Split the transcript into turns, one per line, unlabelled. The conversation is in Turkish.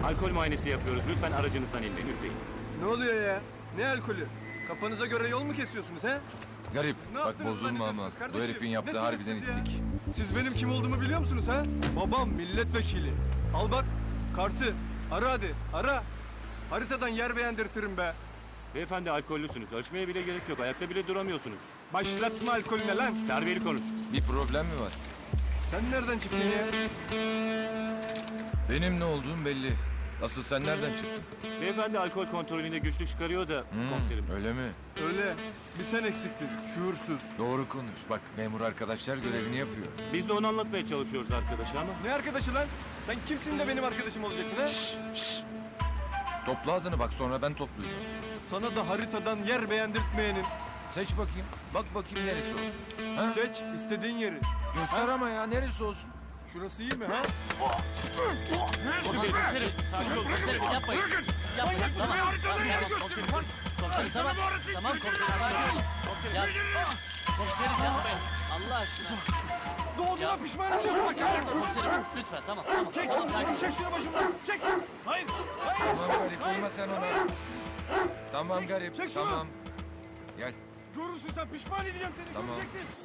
Alkol muayenesi yapıyoruz. Lütfen aracınızdan inmeyin. Lütfen.
Ne oluyor ya? Ne alkolü? Kafanıza göre yol mu kesiyorsunuz he?
Garip.
Ne
Bak
yaptınız
bozulma ama.
zannediyorsunuz
Bu
kardeşim?
herifin yaptığı
Nesiniz
harbiden
siz ya?
itlik.
Siz benim kim olduğumu biliyor musunuz ha? Babam milletvekili. Al bak kartı. Ara hadi ara. Haritadan yer beğendirtirim be.
Beyefendi alkollüsünüz. Ölçmeye bile gerek yok. Ayakta bile duramıyorsunuz.
Başlatma alkolüne lan.
Terbiyeli konuş.
Bir problem mi var?
Sen nereden çıktın ya?
Benim ne olduğum belli. Asıl sen nereden çıktın?
Beyefendi alkol kontrolünde güçlük çıkarıyor da komiserim.
Öyle mi?
Öyle. Bir sen eksiktin. Şuursuz.
Doğru konuş. Bak memur arkadaşlar görevini yapıyor.
Biz de onu anlatmaya çalışıyoruz arkadaşa ama.
Ne arkadaşı lan? Sen kimsin de benim arkadaşım olacaksın ha?
Topla ağzını bak sonra ben toplayacağım.
Sana da haritadan yer beğendirtmeyenin.
Seç bakayım. Bak bakayım neresi olsun. Ha?
Seç istediğin yeri.
Göster ama ya neresi olsun?
Şurası iyi mi ha?
Komiserim, sakin olun.
Komiserim yapmayın. Yapmayın. Tamam. Komiserim tamam. Tamam komiserim sakin olun. Ya, komiserim yapmayın. Allah aşkına.
Doğduğuna pişman olacaksın bak ya.
Komiserim lütfen tamam tamam.
Çek,
Tamam sakin olun.
çek şunu başımdan. Çek. Hayır, hayır.
Tamam garip olma sen ona. Tamam garip
çek şunu.
tamam. Gel.
Görürsün sen pişman edeceğim seni.
Tamam.
Göreceksin.